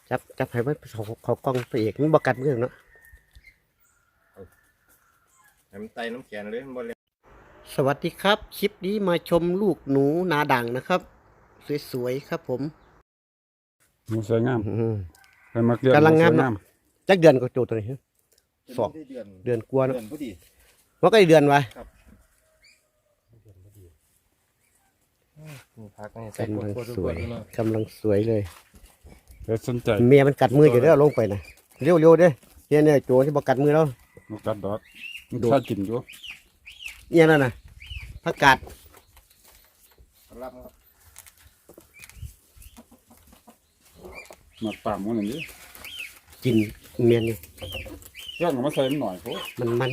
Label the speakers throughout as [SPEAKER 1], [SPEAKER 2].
[SPEAKER 1] จับให้มันเขากล้องตัวเอกมันบกัดมือเนาะ
[SPEAKER 2] ให้มันไตน้ำแข็งเลยมันบ่เลย
[SPEAKER 1] สวัสดีครับคลิปนี้มาชมลูกหนูนาด่างนะครับสวยๆครับผม
[SPEAKER 3] มันสวยงาม
[SPEAKER 1] กำลังงามเนาะจักเดือนก็โจตัวนี้สองเดือนกว่าเนาะว่าก็เดือนไว้กำลังสวยเลย
[SPEAKER 3] สนใจ
[SPEAKER 1] เมียมันกัดมืออยู่แล้วลงไปนะเร็วๆเด้เนี่ยโจที่บอกกัดมือแล้ว
[SPEAKER 3] มันกัดดอกมันถ้ากินอยู่
[SPEAKER 1] เนี่ยนั่นน่ะผักกาด
[SPEAKER 3] มาตามมันอย่างนี้
[SPEAKER 1] กินเมียนนี่
[SPEAKER 3] ย่างมาใส่มันหน่อยโห
[SPEAKER 1] มัน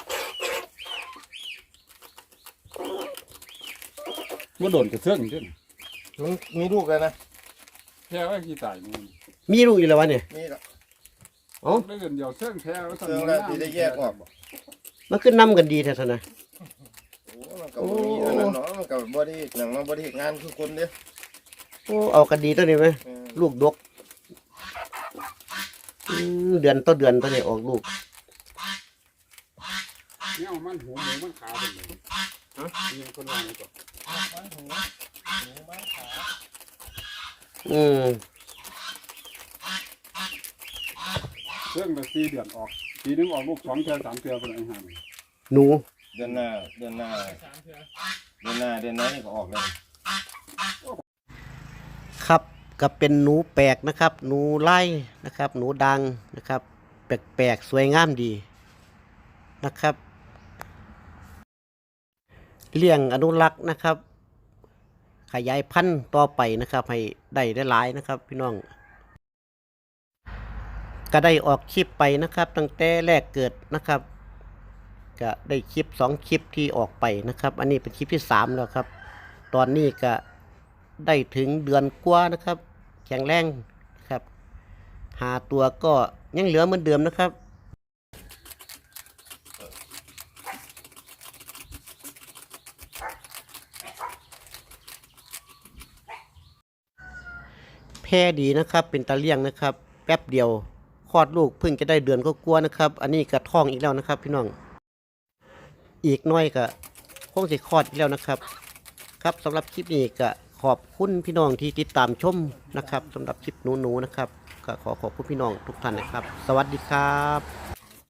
[SPEAKER 3] ว่าโดนกระเทือนจริง
[SPEAKER 2] มันมีลูกเลยนะ
[SPEAKER 3] แพ้ว่าขี้ตายมัน
[SPEAKER 1] มีลูกอยู่แล้ววะเนี่ย
[SPEAKER 2] มีละ
[SPEAKER 1] อ๋อ
[SPEAKER 3] ได้เงินเดียวเทื่องแพ้ว่า
[SPEAKER 2] เทื่องแล้วที่ได้แยกออก
[SPEAKER 1] มันขึ้นน้ำกันดีแท้ๆนะ
[SPEAKER 2] โอ้มันกับมีอันนั้นเนาะมันกับบอดี้หนังมาบอดี้งานคือคนเดียว
[SPEAKER 1] โอ้เอากันดีตัวนี้ไหมลูกดกเดือนต่อเดือนตัวนี้ออกลูก
[SPEAKER 3] เนี่ยมันหูหมูมันขาเป็นเลยมีคนวางก่อนเรื่องแบบ4 เดือนออกปีนึงออกลูก2 เทื่อ 3 เทื่อเป็นไอ้ห่า
[SPEAKER 1] หนู
[SPEAKER 2] เดือนหน้านี่ก็ออกเลย
[SPEAKER 1] ครับก็เป็นหนูแปลกนะครับหนูไล่นะครับหนูดังนะครับแปลกๆสวยงามดีนะครับเลี้ยงอนุรักษ์นะครับขยายพันธุ์ต่อไปนะครับให้ได้หลายนะครับพี่น้องก็ได้ออกคลิปไปนะครับตั้งแต่แรกเกิดนะครับก็ได้คลิป2 คลิปที่ออกไปนะครับอันนี้เป็นคลิปที่3แล้วครับตอนนี้ก็ได้ถึงเดือนกว่านะครับแข็งแรงนะครับหาตัวก็ยังเหลือเหมือนเดิมนะครับแพร่ดีนะครับเป็นตาเลี้ยงนะครับแป๊บเดียวคลอดลูกเพิ่งจะได้เดือนก็กลัวนะครับอันนี้ก็ท้องอีกแล้วนะครับพี่น้องอีกน้อยก็คงจะคลอดอีกแล้วนะครับครับสำหรับคลิปนี้ก็ขอบคุณพี่น้องที่ติดตามชมนะครับสำหรับคลิปหนูๆนะครับก็ขอบคุณพี่น้องทุกท่านนะครับสวัสดีครับ